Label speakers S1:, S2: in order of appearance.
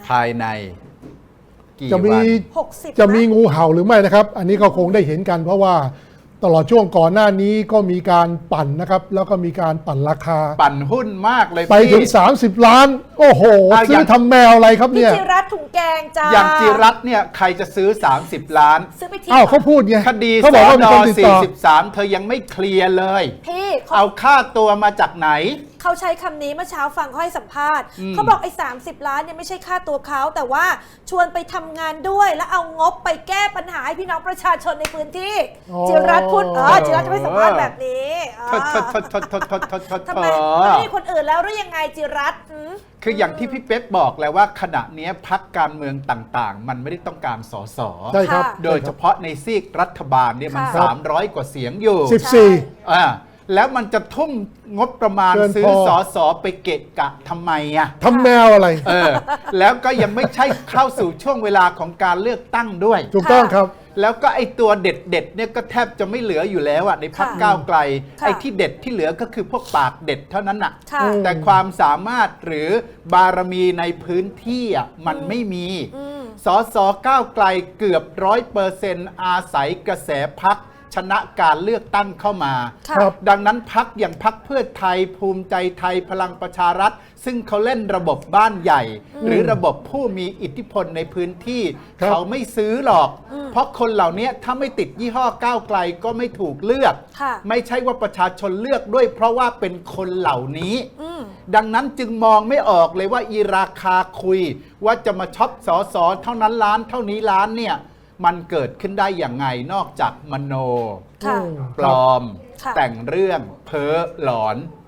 S1: ภายในกี่
S2: จะมี
S1: วัน
S3: 60
S2: จะมีงูเห่าหรือไม่นะครับ อันนี้ก็คงได้เห็นกันเพราะว่าตลอดช่วงก่อนหน้านี้ก็มีการปั่นนะครับแล้วก็มีการปั่นราคา
S1: ปั่นหุ้นมากเลย
S2: ไปถึง
S1: พี่
S2: 30 ล้าน โอ้โห
S1: เอาอ
S2: ซื้
S1: ย่า
S2: อง ทำแมวอะไรครับ
S3: พี่
S2: เนี่ย
S3: จิรัตน์ถุงแกงจ้า
S1: อย่างจิรัตน์เนี่ยใครจะซื้อ 30 ล้าน
S3: ซื้อไปที่
S2: อ้าวเขาพูดไง
S1: คดีส
S2: เขาบอกว่ามี
S1: น
S2: คนติดต่อ
S1: 43 เธอยังไม่เคลียร์เลย
S3: พี่
S1: เอาค่าตัวมาจากไหน
S3: เขาใช้คำนี้เมื่อเช้าฟังเขาให้สัมภาษณ์เขาบอกไอ้30 ล้านเนี่ยไม่ใช่ค่าตัวเขาแต่ว่าชวนไปทำงานด้วย แล้วเอางบไปแก้ปัญหาให้พี่น้องประชาชนในพื้นที่
S2: อ๋อ
S3: จิรัตน์พูดจิรัตน์จะไม่สัมภาษณ์แบบนี้ทำไมไม่มีคนอื่นแล้วหรือยังไงจิรัตน์
S1: คืออย่างที่พี่เป๊กบอกแล้วว่าขณะนี้พรรคการเมืองต่างๆ มันไม่ได้ต้องการสส
S2: ใช่ครับ
S1: โดยเฉพาะในซีกรัฐบาลเนี่ยมัน
S3: ค่ะ
S1: 300 กว่าเสียงอยู่
S2: 14
S1: แล้วมันจะทุ่มงบประมาณ
S2: เกินพอ
S1: ซื้อสอสอไปเกะกะทำไมอ่ะ
S2: ทำแมวอะไร
S1: แล้วก็ยังไม่ใช่เข้าสู่ช่วงเวลาของการเลือกตั้งด้วย
S2: ถูกต้องครับ
S1: แล้วก็ไอ้ตัวเด็ดๆเนี่ยก็แทบจะไม่เหลืออยู่แล้วอ่ะในพรรค
S3: ค่ะ
S1: ก้าวไกล
S3: ค่ะ
S1: ไอ้ที่เด็ดที่เหลือก็คือพวกปากเด็ดเท่านั้นอ่ะ
S3: ค่ะ
S1: แต่ความสามารถหรือบารมีในพื้นที่อ่ะมันไม่มี สสก้าวไกลเกือบ100%อาศัยกระแสพรรคชนะการเลือกตั้งเข้ามา
S3: ค่ะ
S2: ครับ
S1: ดังนั้นพรรคอย่างพรรคเพื่อไทยภูมิใจไทยพลังประชารัฐ ซึ่งเขาเล่นระบบบ้านใหญ่ หรือระบบผู้มีอิทธิพลในพื้นที่
S2: ครับ
S1: เขาไม่ซื้อหรอก เพราะคนเหล่านี้ถ้าไม่ติดยี่ห้อก้าวไกลก็ไม่ถูกเลือก
S3: ค่ะ
S1: ไม่ใช่ว่าประชาชนเลือกด้วย เพราะว่าเป็นคนเหล่านี้ ดังนั้นจึงมองไม่ออกเลยว่าอีราคาคุย ว่าจะมาช็อปสอสอเท่านั้นล้านเท่านี้ล้านเนี่ยมันเกิดขึ้นได้อย่างไงนอกจากมโน
S3: ค่ะ
S1: ปลอม
S3: ค่ะ
S1: แต่งเรื่องเพ้อหลอน